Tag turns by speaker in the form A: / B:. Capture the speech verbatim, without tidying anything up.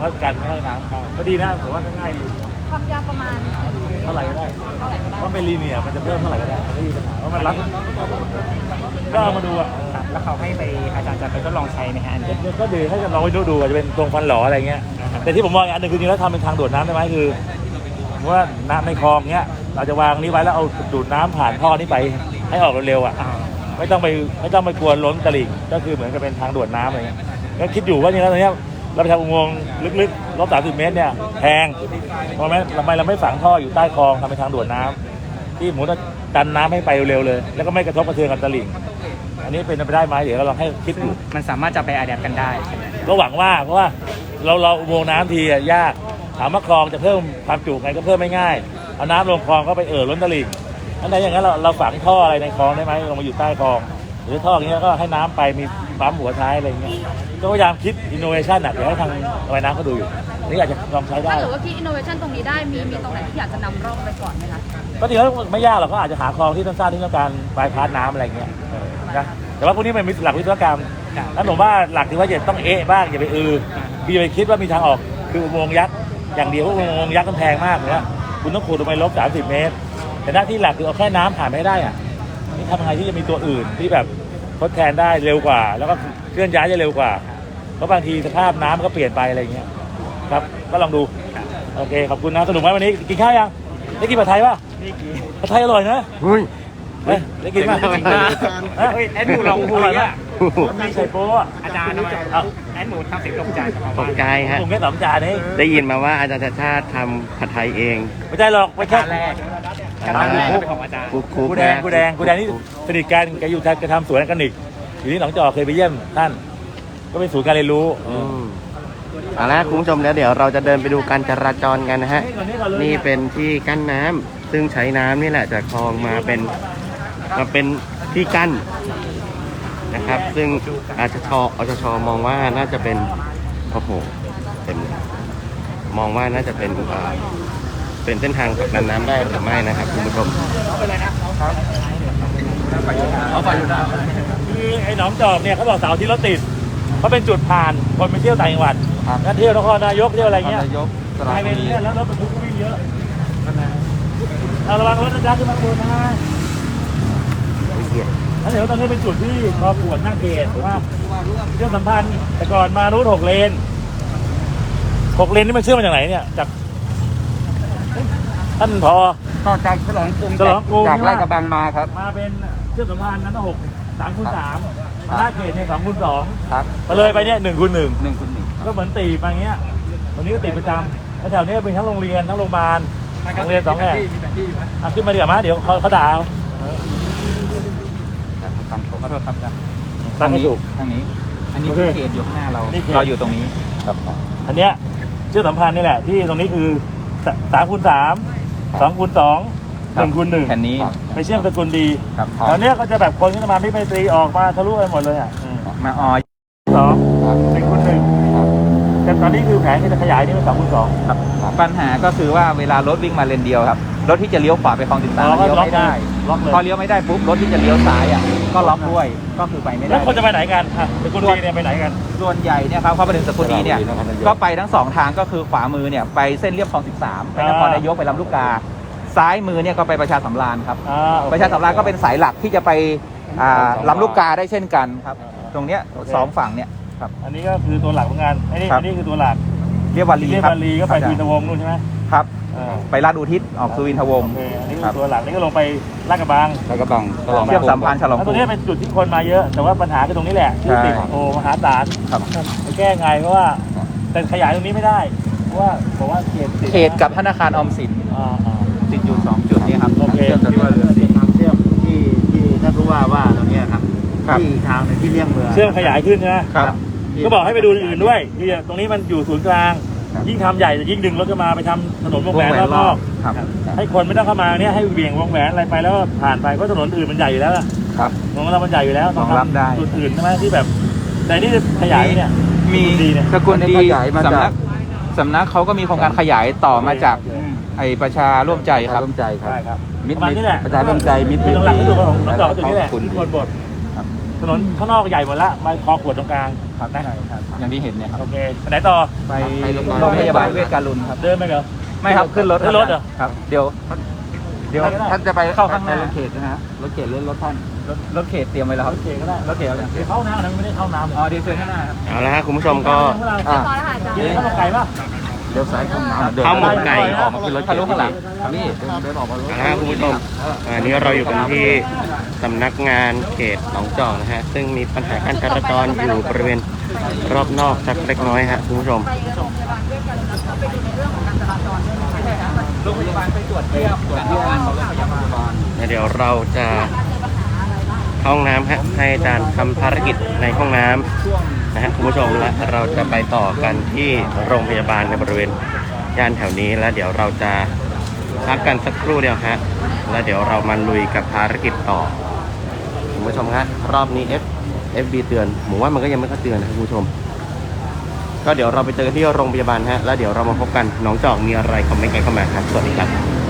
A: ก็กันไม่ให้น้ำเข้าก็ดีนะผมว่าง่ายดี
B: ความยาวประมาณ
A: เท่าไหร่ก็ได้เพราะเป็นลีเนียร์มันจะเพิ่มเท่าไหร่ก็ได้ไม่มีปัญหาเพราะมันรัดก็เอามาดูอ่ะ
C: แล้วเขาให้ไปอาจารย์จะไปทดลองใช้ไหมฮะ
A: ก็ดีให้ลองไปดูดูอาจจะเป็นตรงฟันหล่ออะไรเงี้ยแต่ที่ผมมองอันหนึ่งคือจริงแล้วทำเป็นทางดูดน้ำได้ไหมคือว่าน้ำในคลองเนี้ยเราจะวางนี้ไว้แล้วเอาดูดน้ำผ่านท่อนี้ไปให้ออกเร็วๆอ่ะไม่ต้องไปไม่ต้องไปกลัวล้นตลิ่งก็คือเหมือนกับเป็นทางด่วนน้ำอะไรเงี้ยก็คิดอยู่ว่าจริงแล้วตอนนี้เราไปทำอุโมงค์ลึกๆรอบสามสิบเมตรเนี่ยแพงเพราะไหมทำไมเราไม่ฝังท่ออยู่ใต้คลองทำเป็นทางด่วนน้ำที่หมูจะดันน้ำให้ไปเร็วๆเลยแล้วก็ไม่กระทบกระเทือนกับตลิ่งอันนี้เป็นไปได้ไหมเดี๋ยวเราลองให้คิดดู
C: มันสามารถจะไปอะแดปกันได้
A: ก็หวังว่าเพราะว่าเราเราอุโมงค์น้ำทียากถามว่าคลองจะเพิ่มความจุไงก็เพิ่มไม่ง่ายเอาน้ำลงคลองก็ไปเอ่อล้นตลิ่งอันไหนอย่างนั้นเราเราฝังท่ออะไรในคลองได้ไหมลงมาอยู่ใต้คลองหรือท่ออย่างเงี้ยก็ให้น้ำไปมีปั๊มหัวท้ายอะไรเงี้ยก็พยายามคิดอินโนเวชันอ่ะเดี๋ยวให้ทางระบายน้ำเขาดูอยู่นี่อาจจะลองใช้ได้
B: ถ้าเกิดว่าคิดอินโนเวชันตรงนี้ได้มีมีตรงไหนที่อยากจะนำร่องไปก่อนไหมคะ
A: ก็จริงแล้วไม่ยากหรอกก็อาจจะหาคลองที่สั้นๆที่ต้องการบายพาสน้ำอะไรเงี้ยนะแต่ว่าพวกนี้มันมีหลักวิศวกรรมแล้วผมว่าหลักที่ว่าจะต้องเอ๊ะบ้างอย่าไปอือพี่ไปคิดว่ามีทางออกคืออุโมงค์ยักษ์อย่างเดียวอุโมงค์ยักษ์มันแพงมากเลยว่าคุณต้องขุดลงไปลบสามสิบเมตรแต่หน้าที่หลักคือเอาแค่น้ำผ่านไม่ได้อ่ะนี่ทำยังไงที่จะมีตัวอื่นที่แบบทดแทนได้เร็วกว่าแล้วก็เคลื่อนย้ายจะเร็วกว่าเพราะบางทีสภาพน้ำก็เปลี่ยนไปอะไรเงี้ยครับก็ลองดูโอเคขอบคุณนะสนุกไหมวันนี้กินข้าวยังได้กินผัดไทยป่ะผัดไทยอร่อยนะ
D: เฮ้ย
A: ได้กินป่ะ
C: เฮ้ยแอดหมูลองคุยอ่ะ
A: มีไข่โป๊ะ
C: อาจารย์แอดหมูทำเสียงตกใจ
D: ตกใจฮะ
A: ผมแค่สองจานนี้
D: ได้ยินมาว่าอาจารย์ชาติชาติทำผัดไทยเอง
A: ไม่ใช่หรอกไม่ใช่
C: แรกการแรกเป็นของอาจารย์
A: กูแดงกูแดงกูแดงนี่สนิทกันแกอยู่แกทำสวนกันอีกอยู่ที่หนองจอกเคยไปเยี่ยมท่านก็เป็นศูนย์การเรียนรู้
D: เอาละคุณผู้ชมแล้วเดี๋ยวเราจะเดินไปดูการจราจรกันนะฮะนี่เป็นที่กั้นน้ำซึ่งใช้น้ำนี่แหละจากคลองมาเป็นมาเป็นที่กั้นนะครับซึ่งอาจชอชมองว่าน่าจะเป็นโอ้โหเต็มมองว่าน่าจะเป็นเป็นเส้นทางผลักดันน้ำได้หรือไม่นะครับคุณผู้ชม
A: คือไอ้หนองจอกเนี่ยเขาบอกเสาร์ที่รถติดเขาเป็นจุดผ่านคนไปเที่ยวต่างจังหวัดนักเที่ยวนครนายกเที่ยวอะไรเงี้ยไปเป็นเนี่ยแล้วรถบรรทุกวิ่งเยอะเอาระวังรถนะขึ้นมาบนนะแล้วเดี๋ยวตอนนี้เป็นจุดที่พอปวดหน้าเกตว่าเรื่องสัมพันธ์แต่ก่อนมารูทหกเลนหกเลนนี่มันเชื่อมมาจากไหนเนี่ยจากท่านพอ
C: ต่อจากฉลองกรุง
A: ฉลองกรุง
C: จากลาดกระบังมาครับ
A: มาเป็นเชื่อมสัมพันธ์นั้นหกสามคูณสามหน้าเกตเนี่ยสองคูณสอง
C: ครับ
A: ไปเลยไปเนี่ยหนึ่งคูณหนึ่ง
C: หนึ่งคูณหนึ่ง
A: ก็เหมือนตีมาอย่างเงี้ยวันนี้ก็ติดประจำแล้วแถวนี้เป็นทั้งโรงเรียนทั้งโรงพยาบาลโรงเรียนสองแห่งขึ้นมาเดี๋ยวมาเดี๋ยวเขาเขาด่า
C: ทำผมขอโทษครับ
A: ทางนี้
C: ทางนี้อันนี้คือเขตอยู่ข้างหน้าเราเราอยู่ตรงนี้
A: ครับอันเนี้ยเชื่อสัมพันธ์นี่แหละที่ตรงนี้คือสามคูณสามสองคูณสองหนึ่งคูณหนึ่ง
C: แผ่นนี้
A: ไปเชื่อมสกุลดีตอนนี้ก็จะแบบคนที่มาพิไมตรีออกมาทะลุไปหมดเลยอ่ะ
C: มาออย
A: สองหนึ่งคูณหนึ่งแต่ตอนนี้คือแผนที่จะขยายนี่เป็นสองคูณสอง
C: ปัญหาก็คือว่าเวลารถวิ่งมาเลนเดียวครับรถที่จะเลี้ยวขวาไปคลองติดตามเลี้ยวไม่ได้พอเลี้ยวไม่ได้ปุ๊บรถที่จะเลี้ยวซ้ายอ่ะก็ล็อกด้วยก็คือไปไม่ได้
A: แล้วคนจะไปไหนกันสกุลดีเนี่ยไปไหนกัน
C: ส่วนใหญ่เนี่ยครับเขาไปถึงสกุลดีเนี่ยก็ไปทั้งสองทางก็คือขวามือเนี่ยไปเส้นเลียบคลองสิบสามไปนครนายกไปลำลูกกาซ้ายมือเนี่ยก็ไปประชาสำราญครับประชาสำราญก็เป็นสายหลักที่จะไปลำลูกกาได้เช่นกันครับตรงเนี้ยสองฝั่งเนี่ยครับ
A: อันนี้ก็คือตัวหลักของงานอันนี้อันนี้คือตัวหลัก
C: เรียบวารี
A: เรียบวารีก็ไปสุวินทวงศ์นู่นใช่ไหม
C: ครับไปลาดอุทิศออกสุวินทวงศ์
A: อันนี้ตัวหลักนี่ก็ลงไปลาดกระบัง
C: ลาดกระบังเชื่อมสัมพันธ์ฉลอง
A: ตรงนี้เป็นจุดที่คนมาเยอะแต่ว่าปัญหาคือตรงนี้แหละที่ติดโอมหาศาลไปแก้ไงเพราะว่าแต่ขยายตรงนี้ไม่ได้เพราะว่าบอกว่าเขต
C: เขตกับธนาคารออมสินติดอยู่สองจุดนี้ครับ
A: โอเคที่ว่าเรือทางเชื่อมที่ที่ท่านผู้ว่าว่าตรงนี้ครับที่ทางที่เลี่ยงเมืองเชื่อมขยายขึ้นนะครับก็บอกให้ไปดูอื่นด้วยที่ตรงนี้มันอยู่ศูนย์กลางยิ่งทำใหญ่จะยิ่งดึงรถเข้ามาไปทำถนนวงแหวนรอบๆให้คนไม่ต้องเข้ามาเนี่ยให้เบี่ยงวงแหวนอะไรไปแล้วผ่านไปเพราะถนนอื่นมันใหญ่อยู่แล้วครับของเรามันใหญ่อยู่แล้วต้องรับได้จุดอื่นใช่ไหมที่แบบแต่นี่ขยายเนี่ย
C: มีสกุลดีสำนักสำนักเขาก็มีโครงการขยายต่อมาจากไอประชาร่วมใจครับ
D: ร่วมใจครับ
A: ใช่ครับ
D: มิตร
A: นี่แหละ
D: ประชาร่วมใจมิตร
A: หลักๆที่ดูของน้องจอกจุดนี้แหละคนบดนนข้างนอกใหญ่หมดละมาคอขวดตรงกลาง
C: ครับ
A: นะ
C: ใช่ครับอย่างที่เห็นเนี่ยครับ
A: โอเคไปไหนต่อ
C: ไปโรงพยาบาลเวชการุณครับ
A: เดินไปเหรอ
C: ไม่ครับขึ้นรถ
A: ขึ้นรถเหรอ
C: ครับเดี๋ยวเดี๋ยว
A: ไปก็ได้
C: ท่านจะไปเข้าข้างหน้ารถเขตนะฮะรถเขตหรือรถท่านรถรถเขตเตรียมไว้แล้วครับ
A: โอเคก็ได้
C: รถเขตเอาอย่าง
A: เดี๋ยวเข้าน้ำนะไม่ได้เข้าน้ำเลย
C: อ๋อเดี๋ยวเชิญข้างหน้าครับ
D: เอาละฮะคุณผู้ชมก็
C: อ่า
B: พอแล้วค่ะอาจารย์
A: กินข้าวหมกไก่ป่ะ
C: เดี๋ยวซ้ายเข้าน้ำ
D: ข้าวหมกไก่
C: ออกมาขึ้นรถทะลุข้างหลังนี่เดินออกมา
D: เอาละฮะคุณผู้ชมอันนี้เราอยู่กันที่สำนักงานเขตหนองจอกนะฮะซึ่งมีปัญหาการจราจรอยู่บริเวณรอบนอกสักเล็กน้อยฮะคุณผู้ชม
B: ไปโรงพยาบาลเวชการุณแล้วก็ไปดูในเรื่องของการจราจรด้วยใช่ไหมคะ
C: โรงพยาบาลไปตรวจเยี่ยมตรวจเยี่ยมโรงพยาบาล
D: เดี๋ยวเราจะเข้าห้องน้ำฮะให้อาจารย์ทำภารกิจในห้องน้ำนะฮะคุณผู้ชมและเราจะไปต่อกันที่โรงพยาบาลในบริเวณย่านแถวนี้แล้วเดี๋ยวเราจะพักกันสักครู่เดียวฮะแล้วเดี๋ยวเรามาลุยกับภารกิจต่อคุณผู้ชมฮะรอบนี้ F F B เตือนผมว่ามันก็ยังไม่ค่อยเตือนนะครับคุณผู้ชมก็เดี๋ยวเราไปเจอกันที่โรงพยาบาลฮะแล้วเดี๋ยวเรามาพบกันน้องจอกมีอะไรคอมเมนต์กันเข้ามาครับสวัสดีครับ